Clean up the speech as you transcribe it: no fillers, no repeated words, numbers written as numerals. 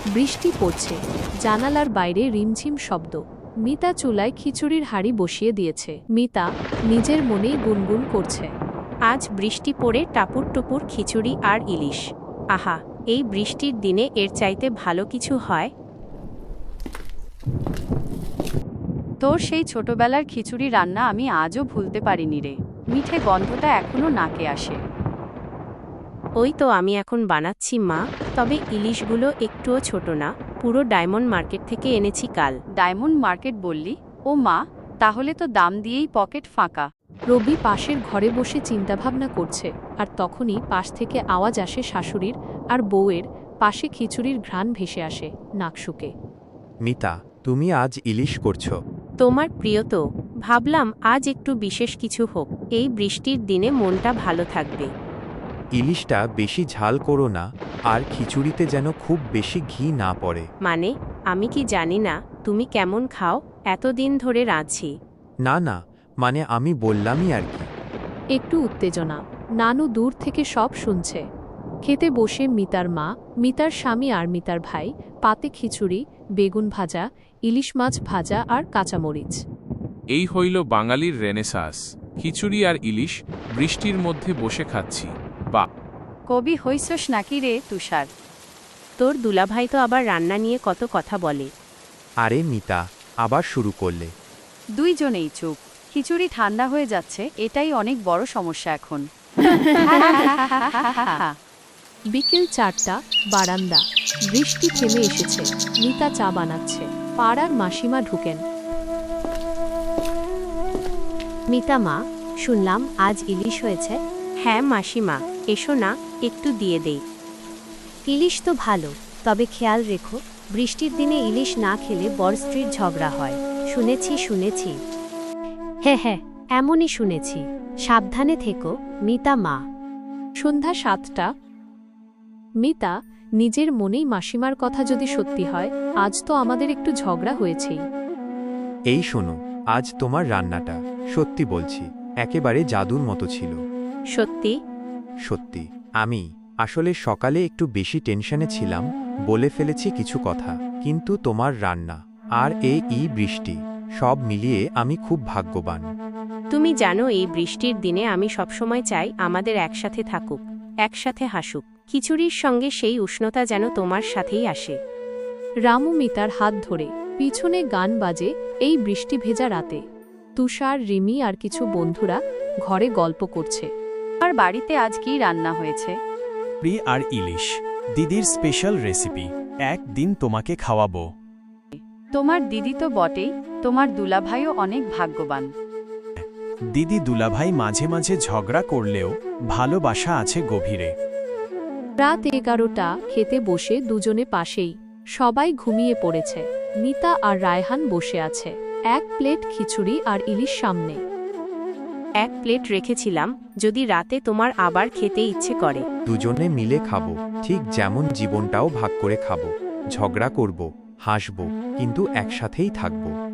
বৃষ্টি পড়ছে, জানালার বাইরে রিমঝিম শব্দ। মিতা চুলায় খিচুড়ির হাঁড়ি বসিয়ে দিয়েছে। মিতা নিজের মনেই গুনগুন করছে। আজ বৃষ্টি পড়ে টাপুর টুপুর খিচুড়ি আর ইলিশ। আহা, এই বৃষ্টির দিনে এর চাইতে ভালো কিছু হয়? তোর সেই ছোটবেলার খিচুড়ি রান্না আমি আজও ভুলতে পারিনি রে। মিঠে গন্ধটা এখনো নাকে আসে। ওই তো আমি এখন বানাচ্ছি মা, তবে ইলিশগুলো একটুও ছোট না, পুরো ডায়মন্ড মার্কেট থেকে এনেছি কাল। ডায়মন্ড মার্কেট বললি? ও মা, তাহলে তো দাম দিয়েই পকেট ফাঁকা। রবি পাশের ঘরে বসে চিন্তাভাবনা করছে, আর তখনই পাশ থেকে আওয়াজ আসে শাশুড়ির আর বউয়ের। পাশে খিচুড়ির ঘ্রাণ ভেসে আসে নাকশুকে। মিতা, তুমি আজ ইলিশ করছো? তোমার প্রিয় তো, ভাবলাম আজ একটু বিশেষ কিছু হোক, এই বৃষ্টির দিনে মনটা ভালো থাকবে। ইলিশটা বেশি ঝাল করো না, আর খিচুড়িতে যেন খুব বেশি ঘি না পড়ে। মানে, আমি কি জানি না তুমি কেমন খাও? এতদিন ধরে রাঁধছি। না না, মানে আমি বললামই আর কি। একটু উত্তেজনা। নানু দূর থেকে সব শুনছে। খেতে বসে মিতার মা, মিতার স্বামী আর মিতার ভাই, পাতে খিচুড়ি, বেগুন ভাজা, ইলিশ মাছ ভাজা আর কাঁচামরিচ। এই হইল বাঙালির রেনেসাঁস, খিচুড়ি আর ইলিশ বৃষ্টির মধ্যে বসে খাচ্ছি। বা কবি হইছস নাকি রে তুষার? তোর দুলাভাই তো আবার রান্না নিয়ে কত কথা বলে। আরে মিতা, আবার শুরু করলে? দুইজনেই চুপ। খিচুড়ি ঠান্ডা হয়ে যাচ্ছে, এটাই অনেক বড় সমস্যা এখন। বিকেল 4টা, বারান্দা। বৃষ্টি থেমে এসেছে। মিতা চা বানাচ্ছে। পাড়ার মাসিমা ঢুকেন। মিতা মা, শুনলাম আজ ইলিশ হয়েছে। হ্যাঁ মাসিমা, এসো না, একটু দিয়ে দেই। ইলিশ তো ভালো, তবে খেয়াল রেখো, বৃষ্টির দিনে ইলিশ না খেলে বর স্ত্রীর ঝগড়া হয়। শুনেছি। হ্যাঁ, এমনই শুনেছি। সাবধানে থেকো, মিতা মা। সন্ধ্যা 7টা। মিতা নিজের মনেই মাসিমার কথা যদি সত্যি হয়, আজ তো আমাদের একটু ঝগড়া হয়েছেই। এই শোনো, আজ তোমার রান্নাটা, সত্যি বলছি, একেবারে জাদুর মতো ছিল। সত্যি? সত্যি। আমি আসলে সকালে একটু বেশি টেনশনে ছিলাম, বলে ফেলেছি কিছু কথা, কিন্তু তোমার রান্না আর এই বৃষ্টি, সব মিলিয়ে আমি খুব ভাগ্যবান। তুমি জানো এই বৃষ্টির দিনে আমি সবসময় চাই আমাদের একসাথে থাকুক, একসাথে হাসুক। খিচুড়ির সঙ্গে সেই উষ্ণতা যেন তোমার সাথেই আসে। রামু মিতার হাত ধরে, পিছনে গান বাজে এই বৃষ্টি ভেজা রাতে। তুষার, রিমি আর কিছু বন্ধুরা ঘরে গল্প করছে। আর বাড়িতে আজ কি রান্না হয়েছে? চিংড়ি আর ইলিশ, দিদির স্পেশাল রেসিপি। একদিন তোমাকে খাওয়াবো। তোমার দিদি তো বটেই, তোমার দুলাভাইও অনেক ভাগ্যবান। দিদি দুলাভাই মাঝে মাঝে ঝগড়া করলেও ভালোবাসা আছে গভীরে। রাত 11টা, খেতে বসে দুজনে পাশেই। সবাই ঘুমিয়ে পড়েছে। মিতা আর রায়হান বসে আছে। এক প্লেট খিচুড়ি আর ইলিশ সামনে। এক প্লেট রেখেছিলাম, যদি রাতে তোমার আবার খেতে ইচ্ছে করে। দুজনে মিলে খাবো, ঠিক যেমন জীবনটাও ভাগ করে খাবো। ঝগড়া করব, হাসব, কিন্তু একসাথেই থাকবো।